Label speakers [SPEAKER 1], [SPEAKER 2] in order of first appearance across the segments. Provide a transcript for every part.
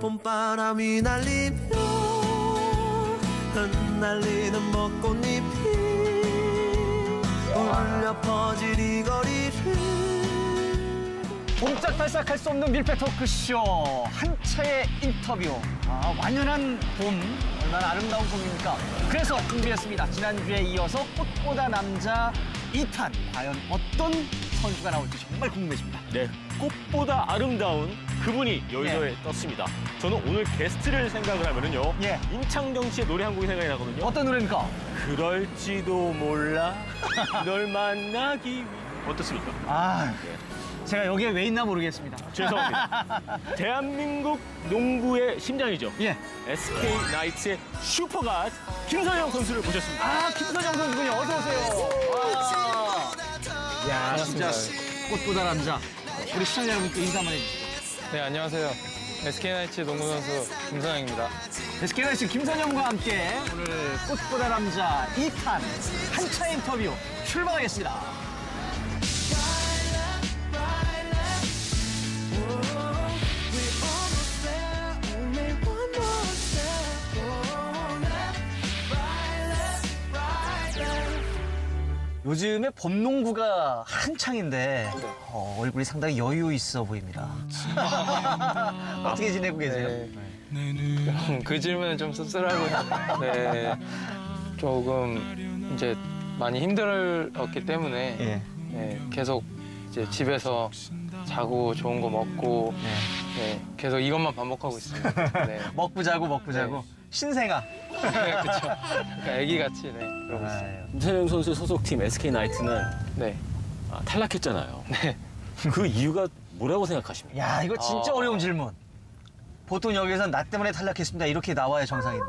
[SPEAKER 1] 봄바람이 날리며 흩날리는 벚꽃잎이 울려 퍼질 이 거리를.
[SPEAKER 2] 옴짝달싹할 수 없는 밀폐 토크쇼 한차의 인터뷰. 완연한 봄, 얼마나 아름다운 봄입니까? 그래서 준비했습니다. 지난주에 이어서 꽃보다 남자 2탄. 과연 어떤 선수가 나올지 정말 궁금해집니다.
[SPEAKER 3] 네, 꽃보다 아름다운 그분이 여의도에 떴습니다. 저는 오늘 게스트를 생각을 하면은요, 임창정 씨의 노래 한 곡이 생각이 나거든요.
[SPEAKER 2] 어떤 노래입니까?
[SPEAKER 3] 그럴지도 몰라 널 만나기 위해. 어떻습니까?
[SPEAKER 2] 제가 여기에 왜 있나 모르겠습니다.
[SPEAKER 3] 죄송합니다. 대한민국 농구의 심장이죠. SK 나이츠의 슈퍼갓 김선영 선수를 모셨습니다.
[SPEAKER 2] 김선영 선수군요. 어서 오세요. 야, 진짜 꽃보다 남자. 우리 시청자 여러분께 인사 한번 해주시죠.
[SPEAKER 4] 네, 안녕하세요. SK나이츠 농구 선수 김선영입니다.
[SPEAKER 2] SK나이츠 김선영과 함께 오늘 꽃보다 남자 2탄 한차 인터뷰 출발하겠습니다. 요즘에 봄농구가 한창인데 얼굴이 상당히 여유 있어 보입니다. 어떻게 지내고 계세요?
[SPEAKER 4] 그 질문은 좀 씁쓸하고요. 네, 조금 이제 많이 힘들었기 때문에 계속 이제 집에서 자고 좋은 거 먹고 계속 이것만 반복하고 있습니다.
[SPEAKER 2] 먹고 자고 신생아.
[SPEAKER 4] 네, 그렇죠. 그러니까 애기같이 그러고 있어요.
[SPEAKER 3] 김선영 선수 소속팀 SK 나이츠는 탈락했잖아요. 그 이유가 뭐라고 생각하십니까?
[SPEAKER 2] 야, 이거 진짜 어려운 질문. 보통 여기서 나 때문에 탈락했습니다 이렇게 나와야 정상인데.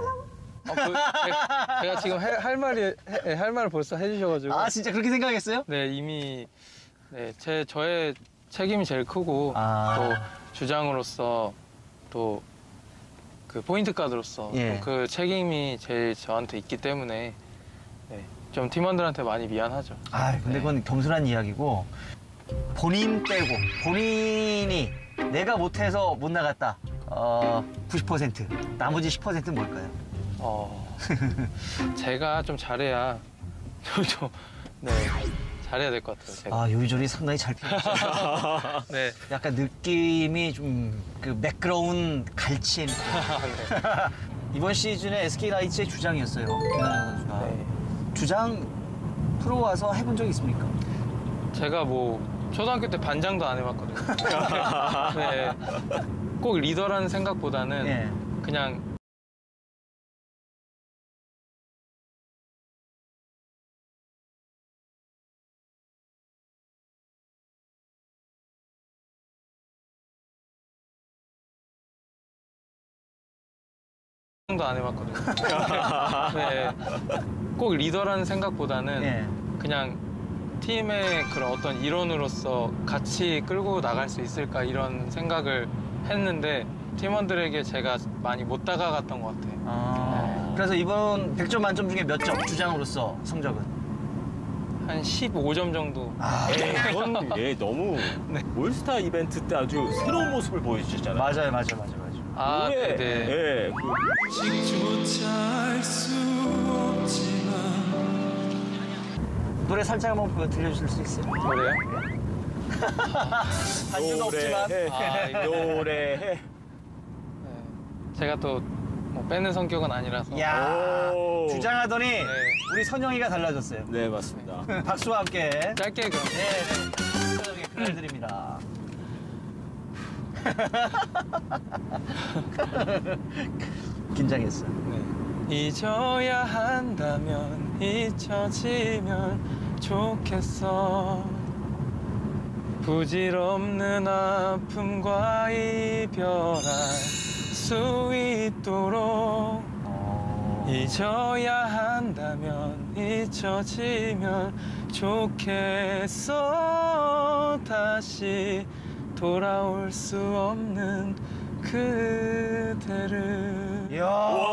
[SPEAKER 4] 제가 지금 할 말을 벌써 해주셔가지고.
[SPEAKER 2] 진짜 그렇게 생각했어요?
[SPEAKER 4] 네, 이미 저의 책임이 제일 크고 또 주장으로서 또 그 포인트 가드로서 그 책임이 제일 저한테 있기 때문에 좀 팀원들한테 많이 미안하죠.
[SPEAKER 2] 근데 그건 겸손한 이야기고, 본인 빼고 본인이 내가 못해서 못 나갔다 90%, 나머지 10%는 뭘까요?
[SPEAKER 4] 제가 좀 잘해야 잘해야 될 것 같아요. 제가.
[SPEAKER 2] 요리조리 상당히 잘 피웠어요. 약간 느낌이 좀 그 매끄러운 갈치. 이번 시즌에 SK 나이츠의 주장이었어요, 김선영 선수가. 주장 프로 와서 해본 적 있습니까?
[SPEAKER 4] 제가 초등학교 때 반장도 안 해봤거든요. 꼭 리더라는 생각보다는 그냥 안 해봤거든요. 꼭 리더라는 생각보다는 그냥 팀의 그런 어떤 일원으로서 같이 끌고 나갈 수 있을까 이런 생각을 했는데 팀원들에게 제가 많이 못 다가갔던 것 같아요.
[SPEAKER 2] 그래서 이번 100점 만점 중에 몇 점? 주장으로서 성적은?
[SPEAKER 4] 한 15점 정도.
[SPEAKER 3] 그건 너무 올스타 이벤트 때 아주 새로운 모습을 보여주셨잖아요.
[SPEAKER 2] 맞아요.
[SPEAKER 1] 직조차 알 수 없지만.
[SPEAKER 2] 노래 살짝 한번 들려주실 수 있어요?
[SPEAKER 4] 노래요?
[SPEAKER 2] 반주가 없지만.
[SPEAKER 3] 노래해.
[SPEAKER 4] 제가 또 빼는 성격은 아니라서.
[SPEAKER 2] 주장하더니 우리 선영이가 달라졌어요.
[SPEAKER 3] 네, 맞습니다.
[SPEAKER 2] 박수와 함께.
[SPEAKER 4] 짧게 그럼.
[SPEAKER 2] 선영이 큰을 드립니다. 긴장했어.
[SPEAKER 4] 잊어야 한다면 잊혀지면 좋겠어. 부질없는 아픔과 이별할 수 있도록. 잊어야 한다면 잊혀지면 좋겠어. 다시 돌아올 수 없는 그대를.
[SPEAKER 2] 이야.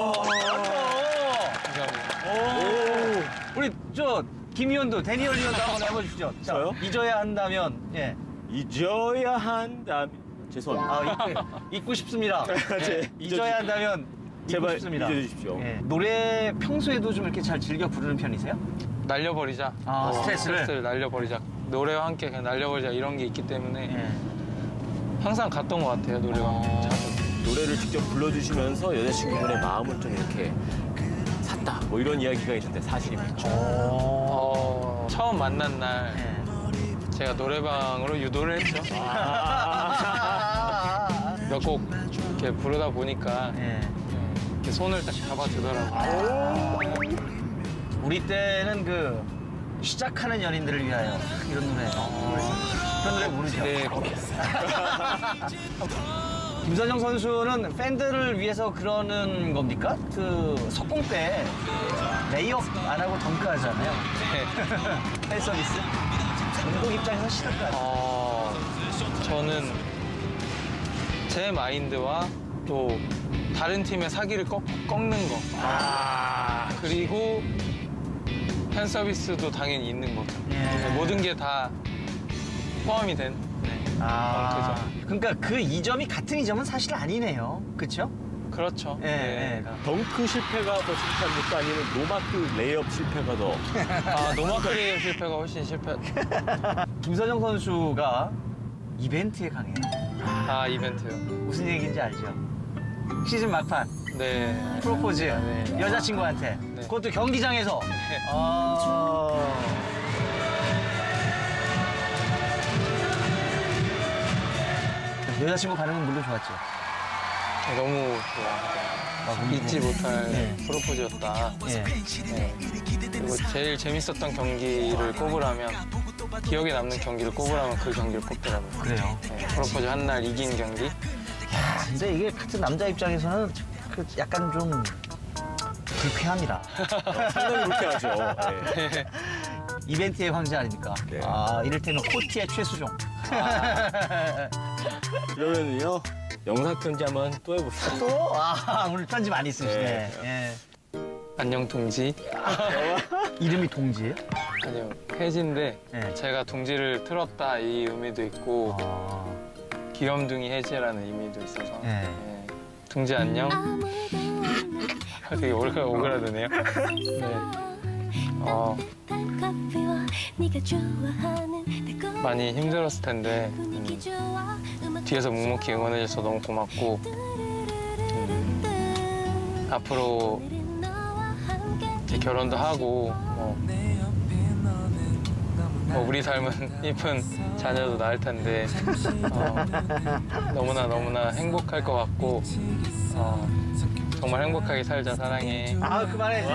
[SPEAKER 4] 감사합니다.
[SPEAKER 2] 우리 김희원도, 데니얼 리언도 한번 해보십시오.
[SPEAKER 3] 저요?
[SPEAKER 2] 잊어야 한다면.
[SPEAKER 3] 잊어야 한다면. 죄송합니다.
[SPEAKER 2] 잊고 싶습니다. 네, 잊어야 한다면
[SPEAKER 3] 제발
[SPEAKER 2] 잊고 싶습니다.
[SPEAKER 3] 잊어주십시오.
[SPEAKER 2] 네. 노래 평소에도 좀 이렇게 잘 즐겨 부르는 편이세요?
[SPEAKER 4] 날려버리자. 스트레스를 날려버리자. 노래와 함께 그냥 날려버리자 이런 게 있기 때문에 항상 갔던 것 같아요, 노래방.
[SPEAKER 3] 노래를 직접 불러주시면서 여자친구분의 마음을 좀 이렇게 샀다. 뭐 이런 이야기가 있는데 사실입니까?
[SPEAKER 4] 처음 만난 날 제가 노래방으로 유도를 했죠. 몇 곡 이렇게 부르다 보니까 이렇게 손을 딱 잡아주더라고요.
[SPEAKER 2] 우리 때는 그 시작하는 연인들을 위하여 이런 노래 그런 노래 모르죠?
[SPEAKER 4] 네.
[SPEAKER 2] 김선영 선수는 팬들을 위해서 그러는 겁니까? 그 석공 때 레이업 안 하고 덩크 하잖아요.
[SPEAKER 4] 네.
[SPEAKER 2] 팬 서비스. 운동 입장에서 싫을 것 같아요.
[SPEAKER 4] 저는 제 마인드와 또 다른 팀의 사기를 꺾는 거. 그리고 팬 서비스도 당연히 있는 거죠. 모든 게 다 포함이 된 덩크죠.
[SPEAKER 2] 그러니까 그 이점이 같은 이점은 사실 아니네요. 그렇죠?
[SPEAKER 4] 그렇죠.
[SPEAKER 3] 덩크 실패가 더 실패합니까? 아니면 노마크 레이업 실패가 더?
[SPEAKER 4] 노마크 레이업 실패가 훨씬 실패.
[SPEAKER 2] 김선영 선수가 이벤트에 강해요.
[SPEAKER 4] 이벤트요.
[SPEAKER 2] 무슨 얘기인지 알죠? 시즌 막판.
[SPEAKER 4] 네.
[SPEAKER 2] 프로포즈. 여자친구한테.
[SPEAKER 4] 네.
[SPEAKER 2] 그것도 경기장에서. 여자친구 반응은 물론 좋았죠.
[SPEAKER 4] 너무 좋아. 잊지 못할 프로포즈였다. 그리고 제일 재밌었던 경기를 꼽으라면 기억에 남는 경기를 꼽으라면 그 경기를 꼽더라고요.
[SPEAKER 2] 그래요?
[SPEAKER 4] 프로포즈 한 날 이긴 경기.
[SPEAKER 2] 근데 이게 같은 남자 입장에서는 그 약간 좀 불쾌합니다.
[SPEAKER 3] 상당히 불쾌하죠. 네.
[SPEAKER 2] 이벤트의 황제 아닙니까?
[SPEAKER 3] 네.
[SPEAKER 2] 이를테면 코티의 최수종.
[SPEAKER 3] 그러면요 영상 편지 한번 또 해봅시다.
[SPEAKER 2] 또? 오늘 편지 많이 쓰시네.
[SPEAKER 3] 네.
[SPEAKER 4] 안녕 동지.
[SPEAKER 2] 이름이 동지예요?
[SPEAKER 4] 아니요, 혜지인데 제가 둥지를 틀었다 이 의미도 있고 귀염둥이 혜지라는 의미도 있어서 둥지 안녕. 되게 오그라드네요. 많이 힘들었을 텐데 뒤에서 묵묵히 응원해줘서 너무 고맙고 앞으로 이제 결혼도 하고 우리 닮은 이쁜 자녀도 낳을 텐데 너무나 행복할 것 같고 정말 행복하게 살자. 사랑해.
[SPEAKER 2] 그만해.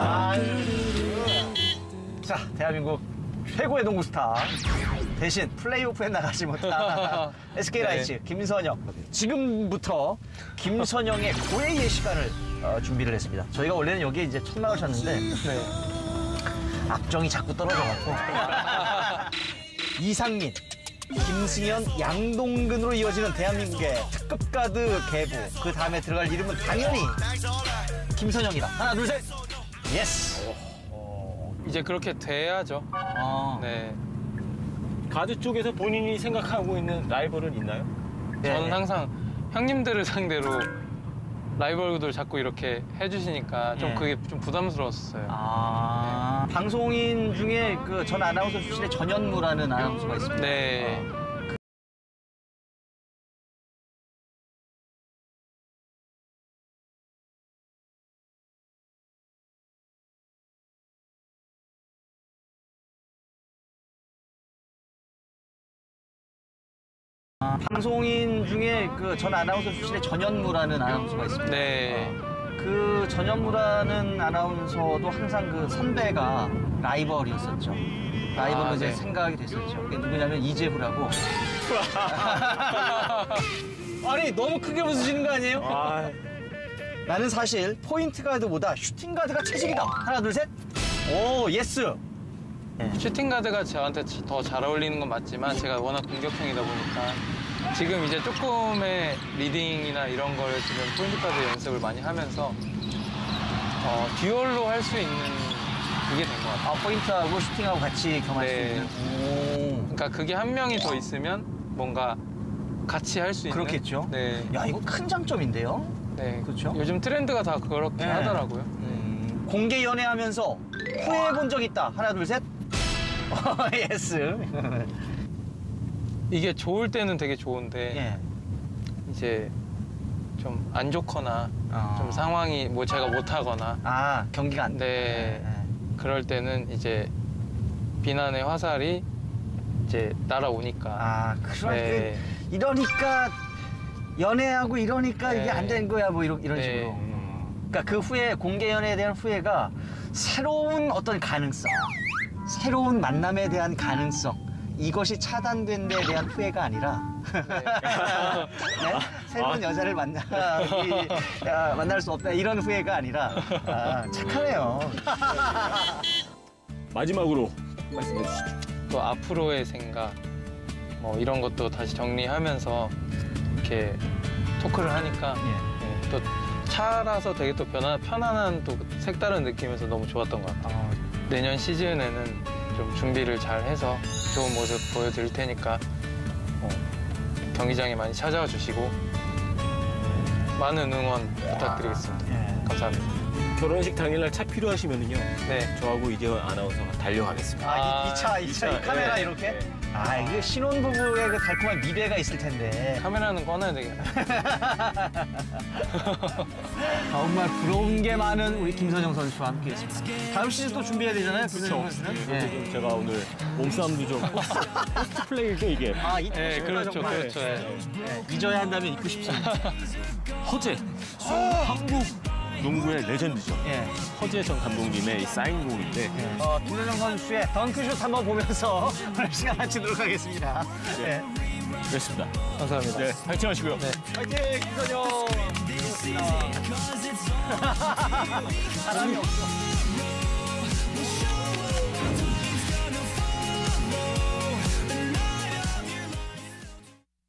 [SPEAKER 2] 자, 대한민국 최고의 농구 스타. 대신 플레이오프에 나가지 못한 SK라이츠 김선영. 지금부터 김선영의 고해의 시간을 준비를 했습니다. 저희가 원래는 여기에 이제 첫 나오셨는데 악정이 자꾸 떨어져갖고 이상민, 김승현, 양동근으로 이어지는 대한민국의 특급 가드 계보. 그 다음에 들어갈 이름은 당연히 김선영이다. 하나, 둘, 셋. 예스.
[SPEAKER 4] 이제 그렇게 돼야죠. 네.
[SPEAKER 3] 가드 쪽에서 본인이 생각하고 있는 라이벌은 있나요?
[SPEAKER 4] 저는 항상 형님들을 상대로 라이벌들 자꾸 이렇게 해주시니까 좀 그게 좀 부담스러웠어요.
[SPEAKER 2] 방송인 중에 그 전 아나운서 출신의 전현무라는 아나운서가 있습니다.
[SPEAKER 4] 네.
[SPEAKER 2] 방송인 중에 그 전 아나운서 출신의 전현무라는 아나운서가 있습니다.
[SPEAKER 4] 네.
[SPEAKER 2] 그 전현무라는 아나운서도 항상 그 선배가 라이벌이었었죠. 라이벌로 이제 생각이 됐었죠. 그게 누구냐면 이재후라고. 아니 너무 크게 웃으시는 거 아니에요? 나는 사실 포인트 가드보다 슈팅 가드가 체질이다. 하나 둘 셋. 오 예스.
[SPEAKER 4] 슈팅 가드가 저한테 더 잘 어울리는 건 맞지만 제가 워낙 공격형이다 보니까 지금 이제 조금의 리딩이나 이런 걸 지금 포인트 가드 연습을 많이 하면서 듀얼로 할 수 있는 그게 된 것 같아요.
[SPEAKER 2] 포인트하고 슈팅하고 같이 겸할 수 있는.
[SPEAKER 4] 그러니까 그게 한 명이 더 있으면 뭔가 같이 할 수 있는.
[SPEAKER 2] 그렇겠죠.
[SPEAKER 4] 네.
[SPEAKER 2] 야, 이거 큰 장점인데요.
[SPEAKER 4] 네.
[SPEAKER 2] 그렇죠?
[SPEAKER 4] 요즘 트렌드가 다 그렇게
[SPEAKER 2] 네.
[SPEAKER 4] 하더라고요.
[SPEAKER 2] 공개 연애하면서 후회해 본 적 있다. 하나, 둘, 셋. 예스.
[SPEAKER 4] 이게 좋을 때는 되게 좋은데
[SPEAKER 2] 예.
[SPEAKER 4] 이제 좀 안 좋거나 좀 상황이 뭐 제가 못하거나
[SPEAKER 2] 경기가 안
[SPEAKER 4] 돼. 그럴 때는 이제 비난의 화살이 이제 날아오니까.
[SPEAKER 2] 그럴 이러니까 연애하고 이러니까 이게 안 된 거야 뭐 이런
[SPEAKER 4] 네.
[SPEAKER 2] 식으로. 그러니까 그 후에 공개 연애에 대한 후회가 새로운 어떤 가능성, 새로운 만남에 대한 가능성 이것이 차단된 데 대한 후회가 아니라 네? 새로운 여자를 만날 수 없다 이런 후회가 아니라 착하네요.
[SPEAKER 3] 마지막으로 말씀해 주시죠.
[SPEAKER 4] 또 앞으로의 생각 뭐 이런 것도 다시 정리하면서 이렇게 토크를 하니까 네, 또 차라서 되게 또 편안한 또 색다른 느낌에서 너무 좋았던 것 같아요. 내년 시즌에는 좀 준비를 잘 해서 좋은 모습 보여드릴 테니까 경기장에 많이 찾아와 주시고 많은 응원 부탁드리겠습니다. 감사합니다.
[SPEAKER 3] 결혼식 당일날 차 필요하시면은요.
[SPEAKER 4] 네.
[SPEAKER 3] 저하고 이재원 아나운서가 달려가겠습니다.
[SPEAKER 2] 이 카메라
[SPEAKER 3] 네.
[SPEAKER 2] 이렇게?
[SPEAKER 3] 네.
[SPEAKER 2] 이게 신혼부부의 그 달콤한 미래가 있을 텐데.
[SPEAKER 4] 카메라는 꺼놔야 되겠네.
[SPEAKER 2] 정말 부러운 게 많은 우리 김선영 선수와 함께했습니다. 다음 시즌 또 준비해야 되잖아요, 김선영 선수는.
[SPEAKER 3] 네. 제가 오늘 몸싸움도 좀 포스트 플레이죠 이게.
[SPEAKER 2] 네,
[SPEAKER 4] 그렇죠.
[SPEAKER 2] 잊어야 한다면 잊고 싶습니다.
[SPEAKER 3] 허재 한국 농구의 레전드죠. 허재 전 감독님의 사인곡인데
[SPEAKER 2] 김선영 선수의 덩크슛 한번 보면서 오늘 시간 마치도록 하겠습니다.
[SPEAKER 3] 그렇습니다.
[SPEAKER 4] 감사합니다.
[SPEAKER 3] 네, 파이팅 하시고요.
[SPEAKER 2] 네. 파이팅, 김선영! 사람이 없어.